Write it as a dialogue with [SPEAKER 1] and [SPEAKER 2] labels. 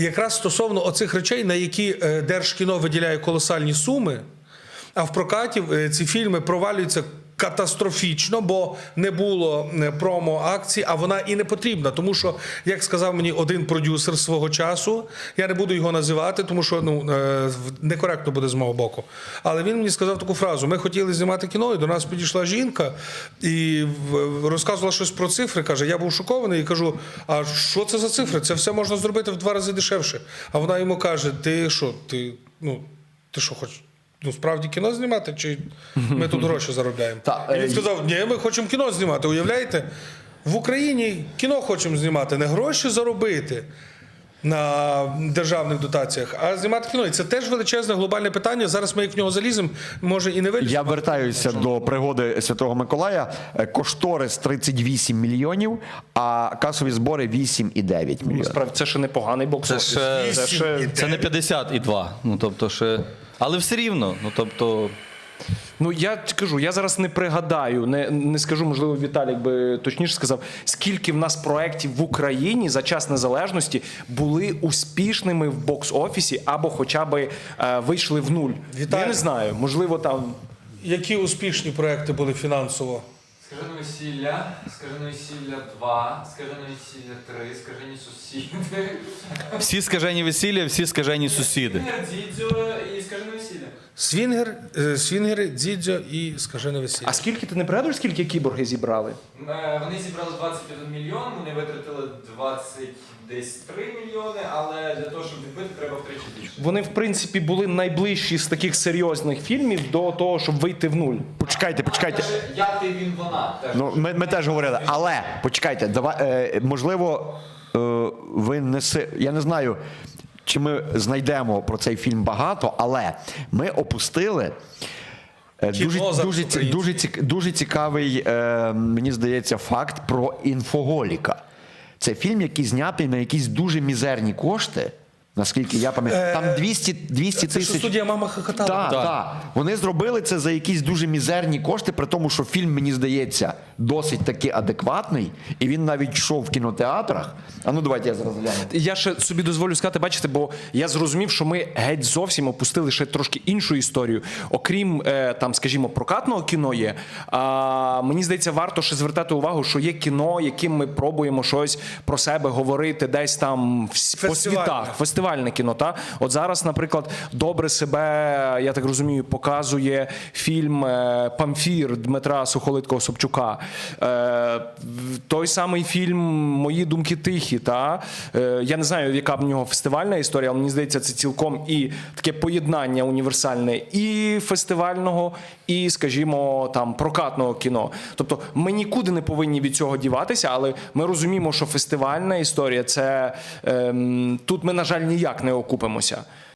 [SPEAKER 1] Якраз стосовно оцих речей, на які Держкіно виділяє колосальні суми, а в прокаті ці фільми провалюються катастрофічно, бо не було промо-акції, а вона і не потрібна. Тому що, як сказав мені один продюсер свого часу, я не буду його називати, тому що некоректно буде з мого боку, але він мені сказав таку фразу: ми хотіли знімати кіно, і до нас підійшла жінка і розказувала щось про цифри, каже, я був шокований і кажу, а що це за цифри? Це все можна зробити в 2 рази дешевше. А вона йому каже, ти що хочеш? Справді кіно знімати, чи ми тут гроші заробляємо? І він сказав, ні, ми хочемо кіно знімати, уявляєте? В Україні кіно хочемо знімати, не гроші заробити на державних дотаціях, а знімати кіно. І це теж величезне глобальне питання. Зараз ми як в нього заліземо, може і не виліземо.
[SPEAKER 2] Я вертаюся до пригоди Святого Миколая. Кошторис 38 мільйонів, а касові збори 8,9 мільйонів.
[SPEAKER 3] Насправді, це ще непоганий бокс-офіс.
[SPEAKER 4] Це не 52. Але все рівно.
[SPEAKER 3] Я кажу, я зараз не пригадаю, не скажу, можливо, Віталік би точніше сказав, скільки в нас проєктів в Україні за час незалежності були успішними в бокс-офісі або хоча б вийшли в нуль.
[SPEAKER 1] Віталій,
[SPEAKER 3] я не знаю, можливо, там...
[SPEAKER 1] Які успішні проекти були фінансово?
[SPEAKER 5] Скажене весілля, Скажене весілля 2, Скажене весілля 3, Скажені сусіди.
[SPEAKER 4] Всі скажені весілля, всі скажені сусіди.
[SPEAKER 5] Дідзьо і Скажене весілля.
[SPEAKER 1] Свінгери, Дзідзьо і Скажене весілля.
[SPEAKER 3] А скільки, ти не пригадуєш, скільки кіборги зібрали?
[SPEAKER 5] Вони зібрали 21 мільйон, вони витратили 23 мільйони, але для того, щоб відбити, треба втричі більше.
[SPEAKER 3] Вони, в принципі, були найближчі з таких серйозних фільмів до того, щоб вийти в нуль.
[SPEAKER 2] Почекайте.
[SPEAKER 5] Я, ти, він, вона.
[SPEAKER 2] Ми теж говорили, але почекайте, можливо, ви я не знаю, чи ми знайдемо про цей фільм багато, але ми опустили дуже цікавий, мені здається, факт про інфоголіка. Це фільм, який знятий на якісь дуже мізерні кошти, наскільки я пам'ятаю. Там 200 тисяч.
[SPEAKER 1] Це що студія «Мама хохотала».
[SPEAKER 2] Так. Вони зробили це за якісь дуже мізерні кошти, при тому, що фільм, мені здається, досить таки адекватний, і він навіть йшов в кінотеатрах. Давайте я зараз гляну.
[SPEAKER 3] Я ще собі дозволю сказати, бачите, бо я зрозумів, що ми геть зовсім опустили ще трошки іншу історію. Окрім, там, скажімо, прокатного кіно є, мені здається, варто ще звертати увагу, що є кіно, яким ми пробуємо щось про себе говорити десь там по світах. Фестивальне кіно, та? От зараз, наприклад, добре себе, я так розумію, показує фільм «Памфір» Дмитра Сухолиткого-Собчука. Той самий фільм «Мої думки тихі», та? Я не знаю, яка в нього фестивальна історія, але мені здається, це цілком і таке поєднання універсальне і фестивального, і, скажімо, там, прокатного кіно. Тобто ми нікуди не повинні від цього діватися, але ми розуміємо, що фестивальна історія – це тут ми, на жаль, ніяк не окупимося.